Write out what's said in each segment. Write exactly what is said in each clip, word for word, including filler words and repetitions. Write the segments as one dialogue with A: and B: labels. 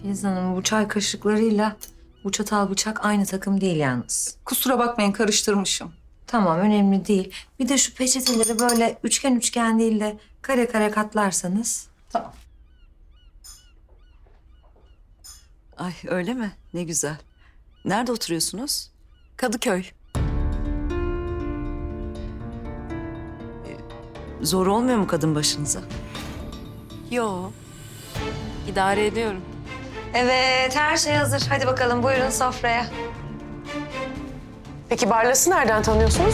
A: Filiz Hanım, bu çay kaşıklarıyla bu çatal bıçak aynı takım değil yalnız.
B: Kusura bakmayın, karıştırmışım.
A: Tamam, önemli değil. Bir de şu peçeteleri böyle üçgen üçgen değil de kare kare katlarsanız.
B: Tamam.
C: Ay öyle mi? Ne güzel. Nerede oturuyorsunuz?
D: Kadıköy.
C: Zor olmuyor mu kadın başınıza?
D: Yo. İdare ediyorum.
A: Evet, her şey hazır. Hadi bakalım, buyurun sofraya.
E: Peki Barlas'ı nereden tanıyorsunuz?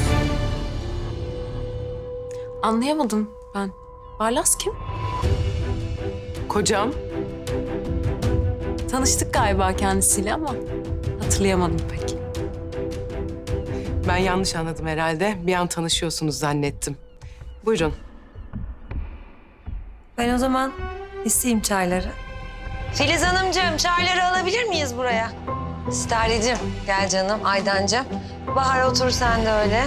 D: Anlayamadım ben. Barlas kim?
E: Kocam.
D: Tanıştık galiba kendisiyle ama hatırlayamadım pek.
E: Ben yanlış anladım herhalde. Bir an tanışıyorsunuz zannettim. Buyurun.
A: Ben o zaman isteyeyim çayları. Filiz Hanımcığım, çayları alabilir miyiz buraya? Sterlicim, gel canım, Aydancığım. Bahar, otur sen de öyle.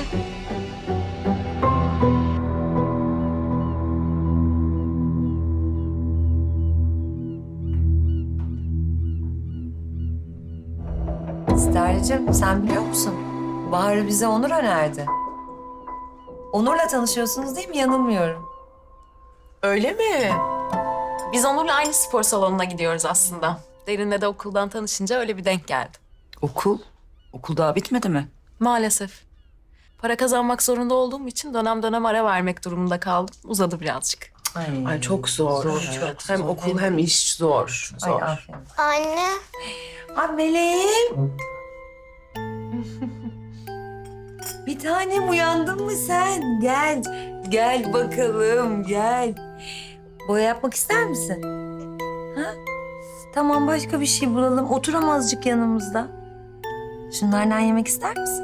A: Sterlicim, sen biliyor musun? Bahar'ı bize Onur önerdi. Onur'la tanışıyorsunuz değil mi? Yanılmıyorum.
E: Öyle mi?
D: Biz Onur'la aynı spor salonuna gidiyoruz aslında. Derin'le de okuldan tanışınca öyle bir denk geldi.
C: Okul? Okul daha bitmedi mi?
D: Maalesef. Para kazanmak zorunda olduğum için dönem dönem ara vermek durumunda kaldım. Uzadı birazcık.
A: Ay,
E: Ay çok zor.
A: çok
E: hem
A: zor.
E: okul hem iş zor.
A: Ay,
E: Zor.
A: aferin.
F: Anne.
A: Ay meleğim. Bir tanem, uyandın mı sen? Gel, gel bakalım, gel. Boya yapmak ister misin? Ha? Tamam, başka bir şey bulalım. Otur ama azıcık yanımızda. Şunlardan yemek ister misin?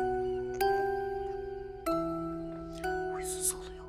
A: Huysuz oluyor.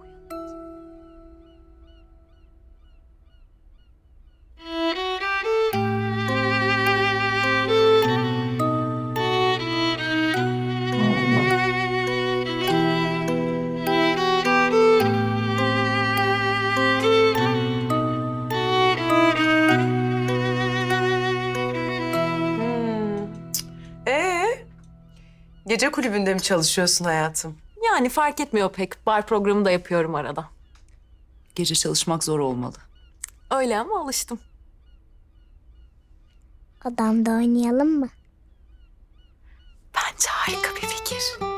E: Hmm. Ee, gece kulübünde mi çalışıyorsun hayatım?
D: Yani fark etmiyor pek. Bar programı da yapıyorum arada.
C: Gece çalışmak zor olmalı.
D: Öyle ama alıştım.
F: Odamda oynayalım mı?
D: Bence harika bir fikir.